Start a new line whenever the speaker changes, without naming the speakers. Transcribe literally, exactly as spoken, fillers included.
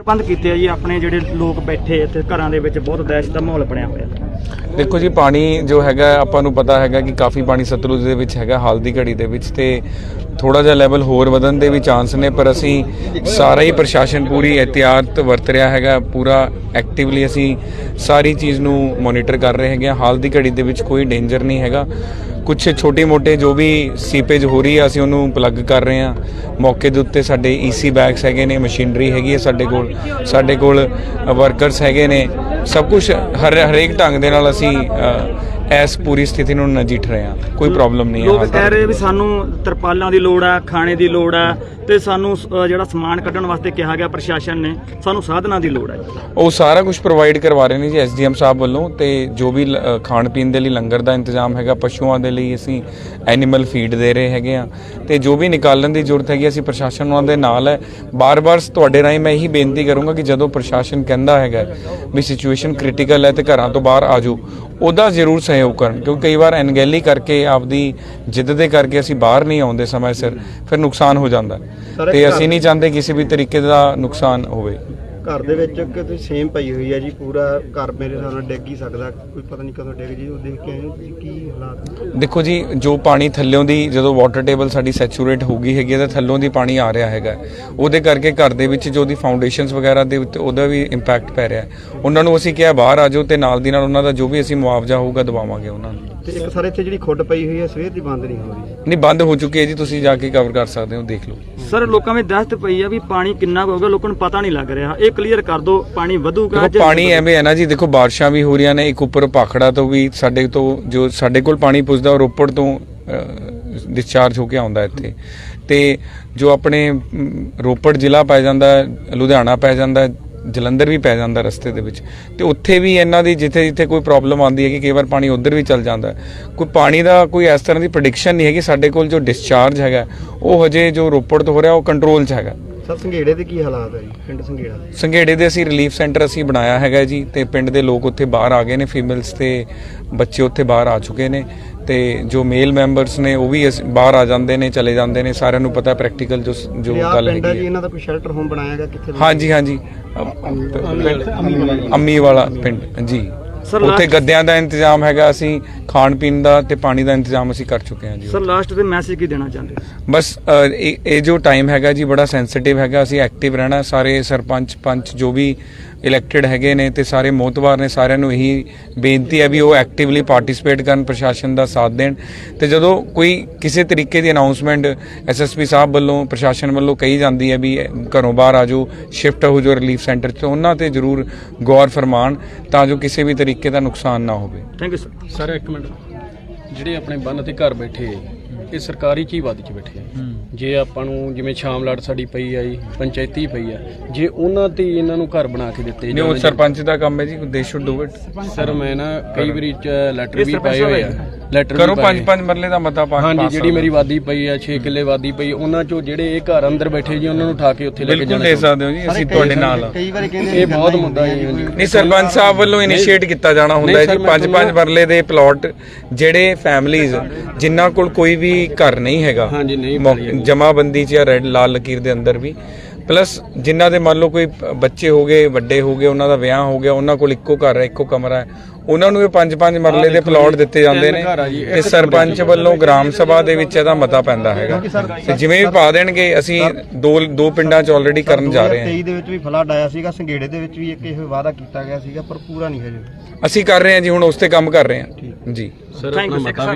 प्रबंध किए जी अपने ਜਿਹੜੇ ਲੋਕ ਬੈਠੇ ਇੱਥੇ ਘਰਾਂ ਦੇ ਵਿੱਚ ਬਹੁਤ ਦਹਿਸ਼ਤ ਦਾ ਮਾਹੌਲ ਬਣਿਆ ਹੋਇਆ।
देखो जी पानी जो हैगा ਆਪਾਂ ਨੂੰ ਪਤਾ ਹੈਗਾ ਕਿ ਕਾਫੀ ਪਾਣੀ ਸਤਲੁਜ ਦੇ ਵਿੱਚ ਹੈਗਾ ਹਾਲ ਦੀ ਘੜੀ ਦੇ ਵਿੱਚ ਤੇ ਥੋੜਾ ਜਿਹਾ ਲੈਵਲ ਹੋਰ ਵਧਣ ਦੇ ਵੀ ਚਾਂਸ ਨੇ ਪਰ ਅਸੀਂ ਸਾਰਾ ਹੀ ਪ੍ਰਸ਼ਾਸਨ ਪੂਰੀ ਇhtiyat ਵਰਤ ਰਿਹਾ ਹੈਗਾ ਪੂਰਾ ਐਕਟਿਵਲੀ ਅਸੀਂ ਸਾਰੀ ਚੀਜ਼ ਨੂੰ ਮੋਨੀਟਰ ਕਰ ਰਹੇ ਹੈਗੇ ਹਾਲ ਦੀ ਘੜੀ ਦੇ ਵਿੱਚ ਕੋਈ ਡੇਂਜਰ ਨਹੀਂ ਹੈਗਾ ਕੁਛ ਛੋਟੇ ਮੋਟੇ ਜੋ ਵੀ ਸੀਪੇਜ ਹੋ ਰਹੀ ਹੈ ਅਸੀਂ ਉਹਨੂੰ ਪਲੱਗ ਕਰ ਰਹੇ ਹਾਂ ਮੌਕੇ ਦੇ ਉੱਤੇ ਸਾਡੇ ਈਸੀ ਬੈਗਸ ਹੈਗੇ ਨੇ ਮਸ਼ੀਨਰੀ ਹੈਗੀ ਹੈ ਸਾਡੇ ਕੋਲ ਸਾਡੇ ਕੋਲ ਵਰਕਰਸ ਹੈਗੇ ਨੇ ਸਭ ਕੁਝ ਹਰ ਹਰੇਕ ਢੰਗ ਦੇ ਨਾਲ ਅਸੀਂ ਇਸ ਪੂਰੀ ਸਥਿਤੀ ਨੂੰ ਨਜਿੱਠ ਰਹੇ ਹਾਂ ਕੋਈ ਪ੍ਰੋਬਲਮ ਨਹੀਂ ਹੈ
ਲੋਕ ਕਹਿ ਰਹੇ ਵੀ ਸਾਨੂੰ ਤਰਪਾਲਾਂ ਦੀ ਲੋੜ ਆ ਖਾਣੇ ਦੀ ਲੋੜ ਆ ਤੇ ਸਾਨੂੰ ਜਿਹੜਾ ਸਮਾਨ ਕੱਢਣ ਵਾਸਤੇ ਕਿਹਾ ਗਿਆ ਪ੍ਰਸ਼ਾਸਨ ਨੇ ਸਾਨੂੰ ਸਾਧਨਾਂ ਦੀ ਲੋੜ ਹੈ
ਉਹ ਸਾਰਾ ਕੁਝ ਪ੍ਰੋਵਾਈਡ ਕਰਵਾ ਰਹੇ ਨੇ ਜੀ ਐਸਡੀਐਮ ਸਾਹਿਬ ਵੱਲੋਂ ਤੇ ਜੋ ਵੀ ਖਾਣ ਪੀਣ ਦੇ ਲਈ ਲੰਗਰ ਦਾ ਇੰਤਜ਼ਾਮ ਹੈਗਾ ਪਸ਼ੂਆਂ ਦੇ ਲਈ ਅਸੀਂ ਐਨੀਮਲ ਫੀਡ ਦੇ ਰਹੇ ਹੈਗੇ ਆ ਤੇ ਜੋ ਵੀ ਨਿਕਾਲਣ ਦੀ ਜ਼ਰੂਰਤ ਹੈਗੀ ਅਸੀਂ ਪ੍ਰਸ਼ਾਸਨ ਉਹਨਾਂ ਦੇ ਨਾਲ ਹੈ ਬਾਰ-ਬਾਰ ਤੁਹਾਡੇ ਰਾਹੀਂ ਮੈਂ ਇਹੀ ਬੇਨਤੀ ਕਰੂੰਗਾ ਕਿ ਜਦੋਂ ਪ੍ਰਸ਼ਾਸਨ ਕਹਿੰਦਾ ਹੈਗਾ ਵੀ ਸਿਚੁਏਸ਼ਨ ਕ੍ਰਿਟੀਕਲ ਹੈ ਤੇ ਘਰਾਂ ਤੋਂ ਬਾਹਰ ਆ ਜਾਓ ਉਹਦਾ ਜ਼ਰੂਰ ਸਹਿਯੋਗ ਕਰਨ ਕਿਉਂਕਿ ਕਈ ਵਾਰ ਅਣਗਹਿਲੀ ਕਰਕੇ ਆਪਦੀ ਜਿੱਦ ਦੇ ਕਰਕੇ ਅਸੀਂ ਬਾਹਰ ਨਹੀਂ ਆਉਂਦੇ ਸਮੇਂ ਸਿਰ ਫਿਰ ਨੁਕਸਾਨ ਹੋ ਜਾਂਦਾ ਤੇ ਅਸੀਂ ਨਹੀਂ ਚਾਹੁੰਦੇ ਕਿਸੇ ਵੀ ਤਰੀਕੇ ਦਾ ਨੁਕਸਾਨ ਹੋਵੇ
ਘਰ ਦੇ ਵਿੱਚ ਕਿਤੇ ਸੇਮ ਪਈ ਹੋਈ ਹੈ ਜੀ ਪੂਰਾ ਘਰ ਮੇਰੇ ਹਿਸਾਬ ਨਾਲ ਡਿੱਗ ਹੀ ਸਕਦਾ ਕੋਈ ਪਤਾ ਨਹੀਂ ਕਦੋਂ ਡਿੱਗ ਜੀ ਉਹ ਦੇਖ ਕੇ ਆਏ ਤੁਸੀਂ ਕੀ ਹਾਲਾਤ
ਦੇਖੋ ਜੀ ਜੋ ਪਾਣੀ ਥੱਲਿਓਂ ਦੀ ਜਦੋਂ ਵਾਟਰ ਟੇਬਲ ਸਾਡੀ ਸੈਚੂਰੇਟ ਹੋ ਗਈ ਹੈਗੀ ਤਾਂ ਥੱਲੋਂ ਦੀ ਪਾਣੀ ਆ ਰਿਹਾ ਹੈਗਾ ਉਹਦੇ ਕਰਕੇ ਘਰ ਦੇ ਵਿੱਚ ਜੋ ਦੀ ਫਾਊਂਡੇਸ਼ਨਸ ਵਗੈਰਾ ਦੇ ਉੱਤੇ ਉਹਦਾ ਵੀ ਇੰਪੈਕਟ ਪੈ ਰਿਹਾ ਉਹਨਾਂ ਨੂੰ ਅਸੀਂ ਕਿਹਾ ਬਾਹਰ ਆ ਜਾਓ ਤੇ ਨਾਲ ਦੀ ਨਾਲ ਉਹਨਾਂ ਦਾ ਜੋ ਵੀ ਅਸੀਂ ਮੁਆਵਜ਼ਾ ਹੋਊਗਾ ਦਵਾਵਾਂਗੇ ਉਹਨਾਂ ਨੂੰ
ਤੇ ਇੱਕ ਸਰ ਇੱਥੇ ਜਿਹੜੀ ਖੁੱਡ ਪਈ ਹੋਈ ਹੈ ਸਵੇਰ ਦੀ ਬੰਦ ਨਹੀਂ ਹੋ ਰਹੀ
ਨਹੀਂ ਬੰਦ ਹੋ ਚੁੱਕੀ ਹੈ ਜੀ ਤੁਸੀਂ ਜਾ ਕੇ ਕਵਰ ਕਰ ਸਕਦੇ ਹੋ ਦੇਖ ਲਓ
ਸਰ ਲੋਕਾਂ ਵਿੱਚ ਦਹਿਸ਼ਤ ਪਈ ਆ ਵੀ ਪਾਣੀ ਕਿੰਨਾ ਹੋਊਗਾ ਲੋਕਾਂ ਨੂੰ ਪਤਾ ਨਹੀਂ ਲੱਗ ਰਿਹਾ ਇਹ ਕਲੀਅਰ ਕਰ ਦਿਓ ਪਾਣੀ ਵਧੂਗਾ
ਦੇਖੋ ਪਾਣੀ ਐਵੇਂ ਹੈ ਨਾ ਜੀ ਦੇਖੋ ਬਾਰਿਸ਼ਾਂ ਵੀ ਹੋ ਰਹੀਆਂ ਨੇ ਇੱਕ ਉੱਪਰ ਭਾਖੜਾ ਤੋਂ ਵੀ ਸਾਡੇ ਤੋਂ ਜੋ ਸਾਡੇ ਕੋਲ ਪਾਣੀ ਪੁੱਜਦਾ ਉਹ ਰੋਪੜ ਤੋਂ ਡਿਸਚਾਰਜ ਹੋ ਕੇ ਆਉਂਦਾ ਇੱਥੇ ਤੇ ਜੋ ਆਪਣੇ ਰੋਪੜ ਜ਼ਿਲ੍ਹਾ ਪੈ ਜਾਂਦਾ ਲੁਧਿਆਣਾ ਪੈ ਜਾਂਦਾ ਜਲੰਧਰ ਵੀ ਪੈ ਜਾਂਦਾ ਰਸਤੇ ਦੇ ਵਿੱਚ ਤੇ ਉੱਥੇ ਵੀ ਇਹਨਾਂ ਦੀ ਜਿੱਥੇ ਜਿੱਥੇ ਕੋਈ ਪ੍ਰੋਬਲਮ ਆਉਂਦੀ ਹੈ ਕਿ ਕਈ ਵਾਰ ਪਾਣੀ ਉੱਧਰ ਵੀ ਚੱਲ ਜਾਂਦਾ ਕੋਈ ਪਾਣੀ ਦਾ ਕੋਈ ਇਸ ਤਰ੍ਹਾਂ ਦੀ ਪ੍ਰੈਡਿਕਸ਼ਨ ਨਹੀਂ ਹੈਗੀ ਸਾਡੇ ਕੋਲ ਜੋ ਡਿਸਚਾਰਜ ਹੈਗਾ ਉਹ ਹਜੇ ਜੋ ਰੋਪੜ ਤੋਂ ਹੋ ਰਿਹਾ ਉਹ ਕੰਟਰੋਲ 'ਚ ਹੈਗਾ
ਸਰ ਸੰਘੇੜੇ ਦੇ ਕੀ ਹਾਲਾਤ ਹੈ ਜੀ ਪਿੰਡ ਸੰਘੇੜਾ
ਸੰਘੇੜੇ ਦੇ ਅਸੀਂ ਰਿਲੀਫ ਸੈਂਟਰ ਅਸੀਂ ਬਣਾਇਆ ਹੈਗਾ ਜੀ ਤੇ ਪਿੰਡ ਦੇ ਲੋਕ ਉੱਥੇ ਬਾਹਰ ਆ ਗਏ ਨੇ ਫੀਮੇਲਸ ਤੇ ਬੱਚੇ ਉੱਥੇ ਬਾਹਰ ਆ ਚੁੱਕੇ ਨੇ ਤੇ ਜੋ ਮੇਲ ਮੈਂਬਰਸ ਨੇ ਉਹ ਵੀ ਬਾਹਰ ਆ ਜਾਂਦੇ ਨੇ ਚਲੇ ਜਾਂਦੇ ਨੇ ਸਾਰਿਆਂ ਨੂੰ ਪਤਾ ਪ੍ਰੈਕਟੀਕਲ ਜੋ ਜੋ ਗੱਲ ਹੈਗੀ ਹੈ
ਇਹਨਾਂ ਦਾ ਕੋਈ ਸ਼ੈਲਟਰ ਹੋਮ ਬਣਾਇਆ ਗਿਆ ਕਿੱਥੇ
ਹਾਂਜੀ ਹਾਂਜੀ ਅੰਮੀ ਵਾਲਾ ਪਿੰਡ ਜੀ ਉੱਥੇ ਗੱਦਿਆਂ ਦਾ ਇੰਤਜ਼ਾਮ ਹੈਗਾ ਅਸੀਂ ਖਾਣ ਪੀਣ ਦਾ ਤੇ ਪਾਣੀ ਦਾ ਇੰਤਜ਼ਾਮ ਅਸੀਂ ਕਰ ਚੁੱਕੇ ਹਾਂ ਜੀ
ਸਰ ਲਾਸਟ ਤੇ ਮੈਸੇਜ ਕੀ ਦੇਣਾ ਚਾਹੁੰਦੇ
ਬਸ ਇਹ ਜੋ ਟਾਈਮ ਹੈਗਾ ਜੀ ਬੜਾ ਸੈਂਸਿਟਿਵ ਹੈਗਾ ਅਸੀਂ ਐਕਟਿਵ ਰਹਿਣਾ ਸਾਰੇ ਸਰਪੰਚ ਪੰਚ ਜੋ ਵੀ ਇਲੈਕਟਿਡ ਹੈਗੇ ਨੇ ਤੇ ਸਾਰੇ ਮੋਹਤਵਾਰ ਨੇ ਸਾਰਿਆਂ ਨੂੰ ਇਹੀ ਬੇਨਤੀ ਹੈ ਵੀ ਉਹ ਐਕਟਿਵਲੀ ਪਾਰਟਿਸਿਪੇਟ ਕਰਨ ਪ੍ਰਸ਼ਾਸਨ ਦਾ ਸਾਥ ਦੇਣ ਤੇ ਜਦੋਂ ਕੋਈ ਕਿਸੇ ਤਰੀਕੇ ਦੀ ਅਨਾਉਂਸਮੈਂਟ ਐਸਐਸਪੀ ਸਾਹਿਬ ਵੱਲੋਂ ਪ੍ਰਸ਼ਾਸਨ ਵੱਲੋਂ ਕਹੀ ਜਾਂਦੀ ਹੈ ਵੀ ਘਰੋਂ ਬਾਹਰ ਆ ਜਾਓ ਸ਼ਿਫਟ ਹੋ ਜਾਓ ਰਿਲੀਫ ਸੈਂਟਰ 'ਚ ਉਹਨਾਂ ਤੇ ਜ਼ਰੂਰ ਗੌਰ ਫਰਮਾਨ ਤਾਂ ਜੋ ਕਿਸੇ ਵੀ ਤਰੀਕੇ ਦਾ ਨੁਕਸਾਨ ਨਾ ਹੋਵੇ
ਥੈਂਕ ਯੂ ਸਰ
ਸਰ ਇੱਕ ਮਿੰਟ ਜਿਹੜੇ ਆਪਣੇ ਬੰਨ ਤੇ ਘਰ ਬੈਠੇ ਇਹ ਸਰਕਾਰੀ ਚੀਵਾਦੀ 'ਚ ਬੈਠੇ ਆ ਜੇ ਆਪਾਂ ਨੂੰ ਜਿਵੇਂ ਸ਼ਾਮਲਾਟ ਸਾਡੀ ਪਈ ਆ ਜੀ ਪੰਚਾਇਤੀ ਪਈ ਆ ਜੇ ਉਹਨਾਂ ਤੇ ਇਹਨਾਂ ਨੂੰ ਘਰ ਬਣਾ ਕੇ ਦਿੱਤੇ
ਨਹੀਂ ਉਹ ਸਰਪੰਚ ਦਾ ਕੰਮ ਹੈ ਜੀ ਦੇ ਸ਼ੁੱਡ ਡੂ ਇਟ
ਸਰ ਮੈਂ ਨਾ ਕਈ ਵਾਰੀ ਲੈਟਰ ਵੀ ਪਾਏ ਹੋਏ ਆ ਲੈਟਰ
ਕਰੋ ਪੰਜ ਪੰਜ ਮਰਲੇ ਦਾ ਮਤਾ ਪਾ
ਹਾਂਜੀ ਜਿਹੜੀ ਮੇਰੀ ਵਾਦੀ ਪਈ ਆ ਛੇ ਕਿੱਲੇ ਵਾਦੀ ਪਈ ਉਹਨਾਂ ਚੋਂ ਜਿਹੜੇ ਇਹ ਘਰ ਅੰਦਰ ਬੈਠੇ ਜੀ ਉਹਨਾਂ ਨੂੰ ਉਠਾ ਕੇ ਉੱਥੇ ਲੈ ਕੇ ਜਾਣਾ
ਬਿਲਕੁਲ ਦੇ ਸਕਦੇ ਹੋ ਜੀ ਅਸੀਂ ਤੁਹਾਡੇ ਨਾਲ
ਕਈ ਵਾਰੀ ਕਹਿੰਦੇ
ਇਹ ਬਹੁਤ ਮੁੱਦਾ ਹੈ ਜੀ
ਨਹੀਂ ਸਰਪੰਚ ਸਾਹਿਬ ਵੱਲੋਂ ਇਨੀਸ਼ੀਏਟ ਕੀਤਾ ਜਾਣਾ ਹੁੰਦਾ ਹੈ ਜੀ ਪੰਜ ਪੰਜ ਮਰਲੇ ਦੇ ਪਲਾਟ ਜਿਹੜੇ ਫੈਮਲੀਜ਼ ਜਿਨ੍ਹਾਂ ਕੋਲ ਕੋਈ ਵੀ ਘਰ ਨਹੀਂ ਹੈਗਾ ਜਮਾਬੰਦੀ 'ਚ ਜਾਂ ਰੈੱਡ ਲਾਲ ਲਕੀਰ ਦੇ ਅੰਦਰ ਵੀ ਪਲੱਸ ਜਿਨ੍ਹਾਂ ਦੇ ਮੰਨ ਲਓ ਕੋਈ ਬੱਚੇ ਹੋ ਗਏ ਵੱਡੇ ਹੋ ਗਏ ਉਹਨਾਂ ਦਾ ਵਿਆਹ ਹੋ ਗਿਆ ਉਹਨਾਂ ਕੋਲ ਇੱਕੋ ਘਰ ਹੈ ਇੱਕੋ ਕਮਰਾ ਹੈ ਉਹਨਾਂ ਨੂੰ ਇਹ ਪੰਜ ਪੰਜ ਮਰਲੇ ਦੇ ਪਲਾਟ ਦਿੱਤੇ ਜਾਂਦੇ ਨੇ ਤੇ ਸਰਪੰਚ ਵੱਲੋਂ ਗ੍ਰਾਮ ਸਭਾ ਦੇ ਵਿੱਚ ਇਹਦਾ ਮਤਾ ਪੈਂਦਾ ਹੈਗਾ ਤੇ ਜਿਵੇਂ ਵੀ ਪਾ ਦੇਣਗੇ ਅਸੀਂ ਦੋ ਦੋ ਪਿੰਡਾਂ 'ਚ ਆਲਰੇਡੀ ਕਰਨ ਜਾ ਰਹੇ ਹਾਂ
ਤੇਈ ਦੇ ਵਿੱਚ ਵੀ ਫਲੱਡ ਆਇਆ ਸੀਗਾ ਸੰਘੇੜੇ ਦੇ ਵਿੱਚ ਵੀ ਇੱਕ ਇਹ ਵਾਅਦਾ ਕੀਤਾ ਗਿਆ ਸੀਗਾ ਪਰ ਪੂਰਾ ਨਹੀਂ ਹਜੇ
ਅਸੀਂ ਕਰ ਰਹੇ ਹਾਂ ਜੀ ਹੁਣ ਉਸ ਤੇ ਕੰਮ ਕਰ ਰਹੇ ਹਾਂ ਜੀ
ਥੈਂਕ ਯੂ